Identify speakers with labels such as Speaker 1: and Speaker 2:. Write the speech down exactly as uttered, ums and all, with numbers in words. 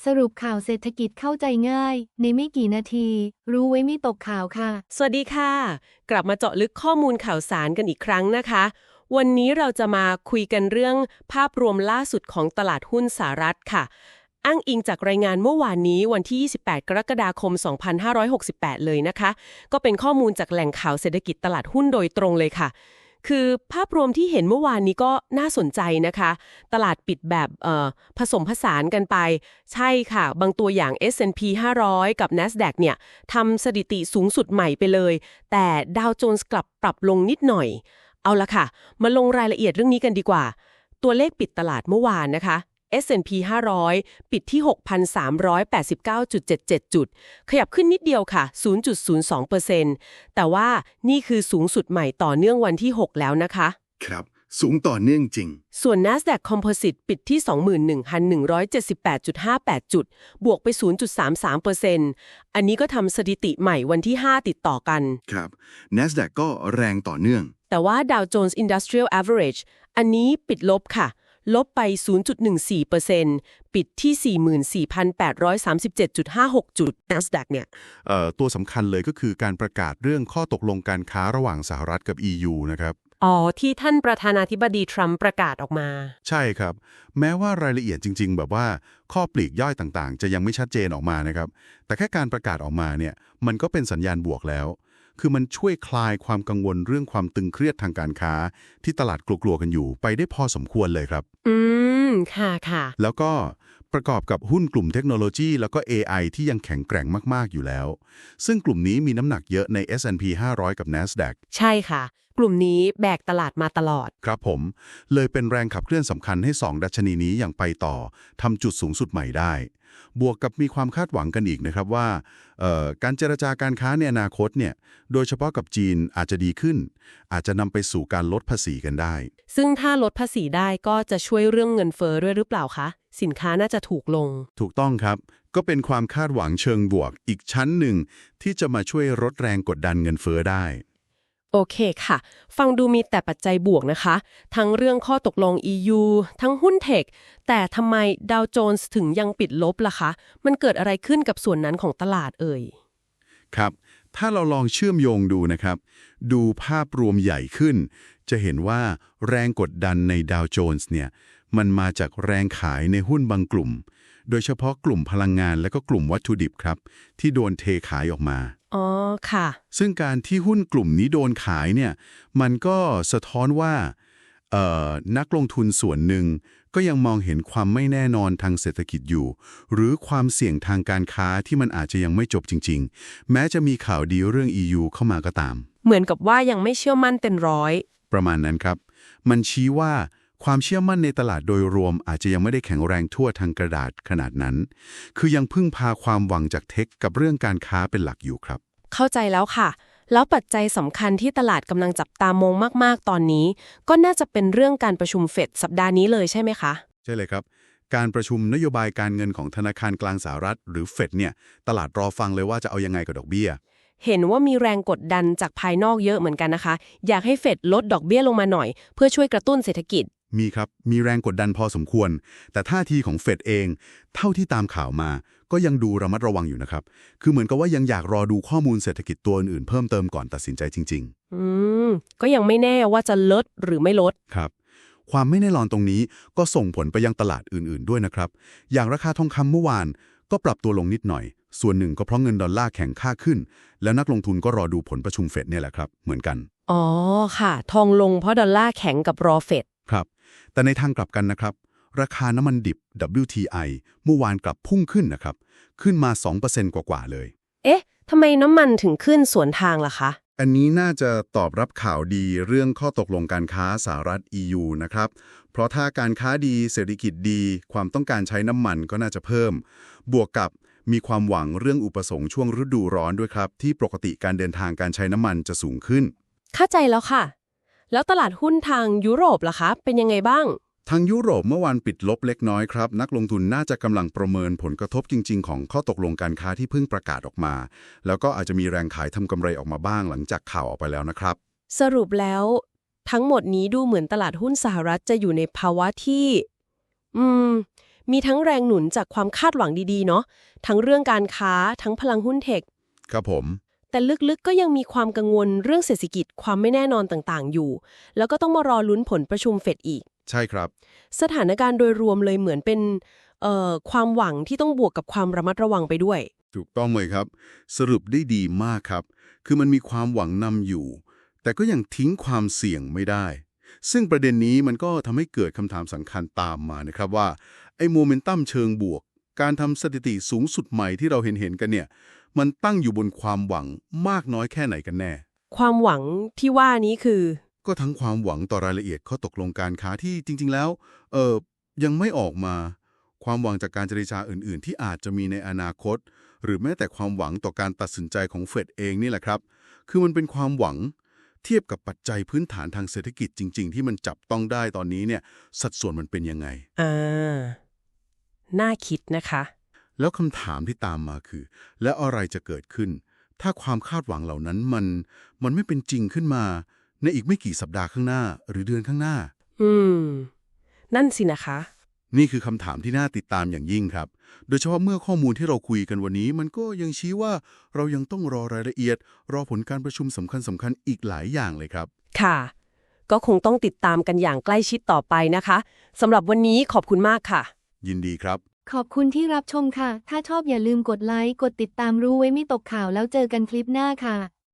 Speaker 1: สรุปข่าวเศรษฐกิจเข้าใจง่ายในไม่กี่นาทีรู้ไว้ไม่ตกข่าวค่ะ
Speaker 2: สวัสดีค่ะกลับมาเจาะลึกข้อมูลข่าวสารกันอีกครั้งนะคะวันนี้เราจะมาคุยกันเรื่องภาพรวมล่าสุดของตลาดหุ้นสหรัฐค่ะอ้างอิงจากรายงานเมื่อวานนี้วันที่ยี่สิบแปดกรกฎาคมสองพันห้าร้อยหกสิบแปดเลยนะคะก็เป็นข้อมูลจากแหล่งข่าวเศรษฐกิจตลาดหุ้นโดยตรงเลยค่ะคือภาพรวมที่เห็นเมื่อวานนี้ก็น่าสนใจนะคะตลาดปิดแบบเอ่อผสมผสานกันไปใช่ค่ะบางตัวอย่าง เอส แอนด์ พี ห้าร้อยกับ NASDAQ เนี่ยทำสถิติสูงสุดใหม่ไปเลยแต่ดาวโจนส์กลับปรับลงนิดหน่อยเอาละค่ะมาลงรายละเอียดเรื่องนี้กันดีกว่าตัวเลขปิดตลาดเมื่อวานนะคะ เอส แอนด์ พี ห้าร้อย ปิดที่ หกพันสามร้อยแปดสิบเก้าจุดเจ็ดเจ็ด จุดขยับขึ้นนิดเดียวค่ะ ศูนย์จุดศูนย์สองเปอร์เซ็นต์ แต่ว่านี่คือสูงสุดใหม่ต่อเนื่องวันที่หกแล้วนะคะ
Speaker 3: ครับสูงต่อเนื่องจริง
Speaker 2: ส่วน NASDAQ Composite ปิดที่ สองหมื่นหนึ่งพันหนึ่งร้อยเจ็ดสิบแปดจุดห้าแปด จุดบวกไป ศูนย์จุดสามสามเปอร์เซ็นต์ อันนี้ก็ทำสถิติใหม่วันที่ห้าติดต่อกัน
Speaker 3: ครับ NASDAQ ก็แรงต่อเนื่อง
Speaker 2: แต่ว่า Dow Jones Industrial Average อันนี้ปิดลบค่ะลบไป ศูนย์จุดหนึ่งสี่เปอร์เซ็นต์ ปิดที่ สี่หมื่นสี่พันแปดร้อยสามสิบเจ็ดจุดห้าหก จุด NASDAQ เนี่ย
Speaker 4: เอ่อตัวสำคัญเลยก็คือการประกาศเรื่องข้อตกลงการค้าระหว่างสหรัฐกับ อี ยู นะครับ
Speaker 2: อ๋อที่ท่านประธานาธิบดีทรัมป์ประกาศออกมา
Speaker 4: ใช่ครับแม้ว่ารายละเอียดจริงๆแบบว่าข้อปลีกย่อยต่างๆจะยังไม่ชัดเจนออกมานะครับแต่แค่การประกาศออกมาเนี่ยมันก็เป็นสัญญาณบวกแล้วคือมันช่วยคลายความกังวลเรื่องความตึงเครียดทางการค้าที่ตลาดกลัวๆกันอยู่ไปได้พอสมควรเลยครับ
Speaker 2: อืมค่ะค่ะ
Speaker 4: แล้วก็ประกอบกับหุ้นกลุ่มเทคโนโลยีแล้วก็ เอ ไอ ที่ยังแข็งแกร่งมากๆอยู่แล้วซึ่งกลุ่มนี้มีน้ำหนักเยอะใน เอส แอนด์ พี ห้าร้อย กับ NASDAQ
Speaker 2: ใช่ค่ะกลุ่มนี้แบกตลาดมาตลอด
Speaker 4: ครับผมเลยเป็นแรงขับเคลื่อนสำคัญให้สองดัชนีนี้ยังไปต่อทำจุดสูงสุดใหม่ได้บวกกับมีความคาดหวังกันอีกนะครับว่าการเจรจาการค้าในอนาคตเนี่ยโดยเฉพาะกับจีนอาจจะดีขึ้นอาจจะนำไปสู่การลดภาษีกันได้
Speaker 2: ซึ่งถ้าลดภาษีได้ก็จะช่วยเรื่องเงินเฟ้อด้วยหรือเปล่าคะสินค้าน่าจะถูกลง
Speaker 4: ถูกต้องครับก็เป็นความคาดหวังเชิงบวกอีกชั้นหนึ่งที่จะมาช่วยลดแรงกดดันเงินเฟ้อได้
Speaker 2: โอเคค่ะฟังดูมีแต่ปัจจัยบวกนะคะทั้งเรื่องข้อตกลง อี ยู ทั้งหุ้นเทคแต่ทำไมดาวโจนส์ถึงยังปิดลบล่ะคะมันเกิดอะไรขึ้นกับส่วนนั้นของตลาดเอ่ย
Speaker 4: ครับถ้าเราลองเชื่อมโยงดูนะครับดูภาพรวมใหญ่ขึ้นจะเห็นว่าแรงกดดันในดาวโจนส์เนี่ยมันมาจากแรงขายในหุ้นบางกลุ่มโดยเฉพาะกลุ่มพลังงานและก็กลุ่มวัตถุดิบครับที่โดนเทขายออกมา
Speaker 2: อ๋อค่ะ
Speaker 4: ซึ่งการที่หุ้นกลุ่มนี้โดนขายเนี่ยมันก็สะท้อนว่าเอ่อนักลงทุนส่วนหนึ่งก็ยังมองเห็นความไม่แน่นอนทางเศรษฐกิจอยู่หรือความเสี่ยงทางการค้าที่มันอาจจะยังไม่จบจริงๆแม้จะมีข่าวดีเรื่อง อี ยู เข้ามาก็ตาม
Speaker 2: เหมือนกับว่ายังไม่เชื่อมั่นเต็มร้อย
Speaker 4: ประมาณนั้นครับมันชี้ว่าความเชื่อมั่นในตลาดโดยรวมอาจจะยังไม่ได้แข็งแรงทั่วทางกระดาษขนาดนั้นคือยังพึ่งพาความหวังจากเทคกับเรื่องการค้าเป็นหลักอยู่ครับ
Speaker 2: เข้าใจแล้วค่ะแล้วปัจจัยสำคัญที่ตลาดกำลังจับตามองมากๆตอนนี้ก็น่าจะเป็นเรื่องการประชุมเฟดสัปดาห์นี้เลยใช่ไหมคะ
Speaker 4: ใช่เลยครับการประชุมนโยบายการเงินของธนาคารกลางสหรัฐหรือเฟดเนี่ยตลาดรอฟังเลยว่าจะเอายังไงกับดอกเบี้ย
Speaker 2: เห็นว่ามีแรงกดดันจากภายนอกเยอะเหมือนกันนะคะอยากให้เฟดลดดอกเบี้ยลงมาหน่อยเพื่อช่วยกระตุ้นเศรษฐกิจ
Speaker 4: มีครับมีแรงกดดันพอสมควรแต่ท่าทีของเฟดเองเท่าที่ตามข่าวมาก็ยังดูระมัดระวังอยู่นะครับคือเหมือนกับว่ายังอยากรอดูข้อมูลเศรษฐกิจตัวอื่นๆเพิ่มเติมก่อนตัดสินใจจริง
Speaker 2: ๆอืมก็ยังไม่แน่ว่าจะลดหรือไม่ลด
Speaker 4: ครับความไม่แน่นอนตรงนี้ก็ส่งผลไปยังตลาดอื่นๆด้วยนะครับอย่างราคาทองคำเมื่อวานก็ปรับตัวลงนิดหน่อยส่วนหนึ่งก็เพราะเงินดอลลาร์แข็งค่าขึ้นแล้วนักลงทุนก็รอดูผลประชุมเฟดเนี่ยแหละครับเหมือนกัน
Speaker 2: อ๋อค่ะทองลงเพราะดอลลาร์แข็งกับรอเฟด
Speaker 4: ครับแต่ในทางกลับกันนะครับราคาน้ำมันดิบ ดับเบิลยู ที ไอ เมื่อวานกลับพุ่งขึ้นนะครับขึ้นมา สองเปอร์เซ็นต์ กว่าๆเลย
Speaker 2: เอ๊ะทำไมน้ำมันถึงขึ้นสวนทางล่ะคะ
Speaker 4: อันนี้น่าจะตอบรับข่าวดีเรื่องข้อตกลงการค้าสหรัฐ อี ยู นะครับเพราะถ้าการค้าดีเศรษฐกิจดีความต้องการใช้น้ำมันก็น่าจะเพิ่มบวกกับมีความหวังเรื่องอุปสงค์ช่วงฤดูร้อนด้วยครับที่ปกติการเดินทางการใช้น้ำมันจะสูงขึ้น
Speaker 2: เข้าใจแล้วค่ะแล้วตลาดหุ้นทางยุโรปล่ะคะเป็นยังไงบ้าง
Speaker 4: ทางยุโรปเมื่อวานปิดลบเล็กน้อยครับนักลงทุนน่าจะกำลังประเมินผลกระทบจริงๆของข้อตกลงการค้าที่เพิ่งประกาศออกมาแล้วก็อาจจะมีแรงขายทำกำไรออกมาบ้างหลังจากข่าวออกไปแล้วนะครับ
Speaker 2: สรุปแล้วทั้งหมดนี้ดูเหมือนตลาดหุ้นสหรัฐจะอยู่ในภาวะที่อืมมีทั้งแรงหนุนจากความคาดหวังดีๆเนาะทั้งเรื่องการค้าทั้งพลังหุ้นเทค
Speaker 4: ครับผม
Speaker 2: แต่ลึกๆก็ยังมีความกังวลเรื่องเศรษฐกิจความไม่แน่นอนต่างๆอยู่แล้วก็ต้องมารอลุ้นผลประชุมเฟดอีก
Speaker 4: ใช่ครับ
Speaker 2: สถานการณ์โดยรวมเลยเหมือนเป็นเอ่อความหวังที่ต้องบวกกับความระมัดระวังไปด้วย
Speaker 4: ถูกต้องเลยครับสรุปได้ดีมากครับคือมันมีความหวังนำอยู่แต่ก็ยังทิ้งความเสี่ยงไม่ได้ซึ่งประเด็นนี้มันก็ทำให้เกิดคำถามสำคัญตามมานะครับว่าไอ้โมเมนตัมเชิงบวกการทำสถิติสูงสุดใหม่ที่เราเห็นเห็นกันเนี่ยมันตั้งอยู่บนความหวังมากน้อยแค่ไหนกันแน่
Speaker 2: ความหวังที่ว่านี้คือ
Speaker 4: ก็ทั้งความหวังต่อรายละเอียดข้อตกลงการค้าที่จริงๆแล้วเออยังไม่ออกมาความหวังจากการเจรจาอื่นๆที่อาจจะมีในอนาคตหรือแม้แต่ความหวังต่อการตัดสินใจของเฟดเองนี่แหละครับคือมันเป็นความหวังเทียบกับปัจจัยพื้นฐานทางเศรษฐกิจจริงๆที่มันจับต้องได้ตอนนี้เนี่ยสัดส่วนมันเป็นยังไง
Speaker 2: อ่าน่าคิดนะคะ
Speaker 4: แล้วคำถามที่ตามมาคือแล้วอะไรจะเกิดขึ้นถ้าความคาดหวังเหล่านั้นมันมันไม่เป็นจริงขึ้นมาในอีกไม่กี่สัปดาห์ข้างหน้าหรือเดือนข้างหน้า
Speaker 2: อืมนั่นสินะคะ
Speaker 4: นี่คือคำถามที่น่าติดตามอย่างยิ่งครับโดยเฉพาะเมื่อข้อมูลที่เราคุยกันวันนี้มันก็ยังชี้ว่าเรายังต้องรอรายละเอียดรอผลการประชุมสำคัญสำคัญอีกหลายอย่างเลยครับ
Speaker 2: ค่ะก็คงต้องติดตามกันอย่างใกล้ชิดต่อไปนะคะสำหรับวันนี้ขอบคุณมากค่ะ
Speaker 4: ยินดีครับ
Speaker 1: ขอบคุณที่รับชมค่ะถ้าชอบอย่าลืมกดไลค์กดติดตามรู้ไว้ไม่ตกข่าวแล้วเจอกันคลิปหน้าค่ะ